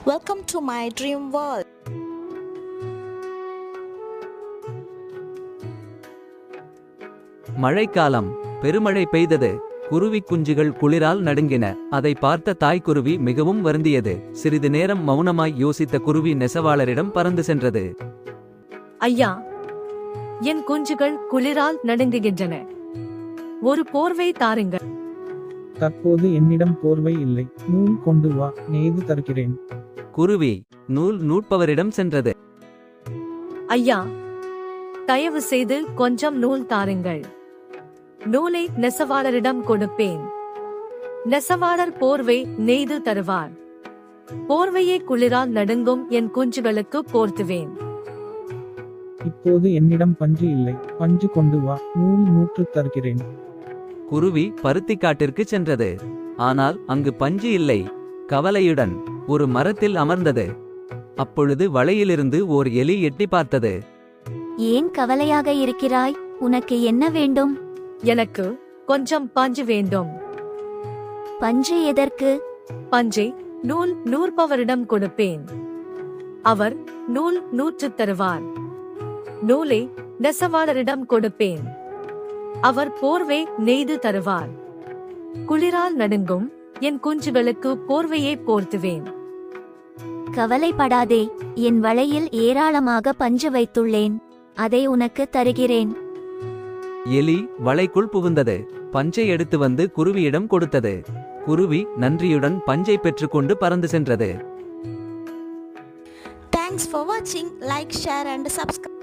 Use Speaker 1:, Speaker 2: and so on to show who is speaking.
Speaker 1: Welcome to my dream world.
Speaker 2: மழைக்காலம். பெருமழை பெய்தது. குருவி குஞ்சுகள் குளிரால் நடுங்கின. அதை பார்த்த தாய்க்குருவி மிகவும் வருந்தியது. சிறிது நேரம் மௌனமாய் யோசித்த குருவி நெசவாளரிடம் பறந்து சென்றது.
Speaker 3: ஐயா, என் குஞ்சுகள் குளிரால் நடுங்குகின்றன. ஒரு போர்வை தாருங்கள்.
Speaker 4: தற்போது என்னிடம் போர்வை இல்லை. நூல் கொண்டு வா, நெய்து தருகிறேன்.
Speaker 2: குருவி நூல் நூற்பவரிடம் சென்றது.
Speaker 3: ஐயா, தயவு செய்து கொஞ்சம் நூல் தாருங்கள். நூலை நெசவாளரிடம் கொடுப்பேன். நெசவாளர் போர்வை நெய்து தருவார். போர்வையை குளிரால் நடுங்கும் என் குஞ்சுகளுக்கு போர்த்துவேன்.
Speaker 4: இப்போது என்னிடம் பஞ்சு இல்லை. பஞ்சு கொண்டு வா, நூல் நூற்றுத் தருகிறேன்.
Speaker 2: குருவி பருத்திக்காட்டிற்கு சென்றது. ஆனால் அங்கு பஞ்சு இல்லை. கவலையுடன் ஒரு மரத்தில் அமர்ந்தது. அப்பொழுது வலையிலிருந்து ஓர் எலி எட்டி பார்த்தது.
Speaker 5: ஏன் கவலையாக இருக்கிறாய்? உனக்கு என்ன வேண்டும்?
Speaker 3: எனக்கு கொஞ்சம் பஞ்சு வேண்டும்.
Speaker 5: பஞ்சு எதற்கு?
Speaker 3: பஞ்சை நூல் நூற்பவரிடம் கொடுப்பேன். அவர் நூல் நூற்றுத் தருவார். நூலை நெசவாளரிடம் கொடுப்பேன். அவர் போர்வை நெய்து தருவார். குளிரால் நடுங்கும் என் குஞ்சுகளுக்கு போர்வையை போர்த்துவேன்.
Speaker 5: கவலைப்படாதே, என் வலையில் ஏராளமாக பஞ்சு வைத்துள்ளேன். அதை உனக்கு தருகிறேன்.
Speaker 2: எலி வலைக்குள் புகுந்தது. பஞ்சை எடுத்து வந்து குருவியிடம் கொடுத்தது. குருவி நன்றியுடன் பஞ்சை பெற்றுக்கொண்டு பறந்து சென்றது.
Speaker 1: Thanks for watching. Like, share and subscribe.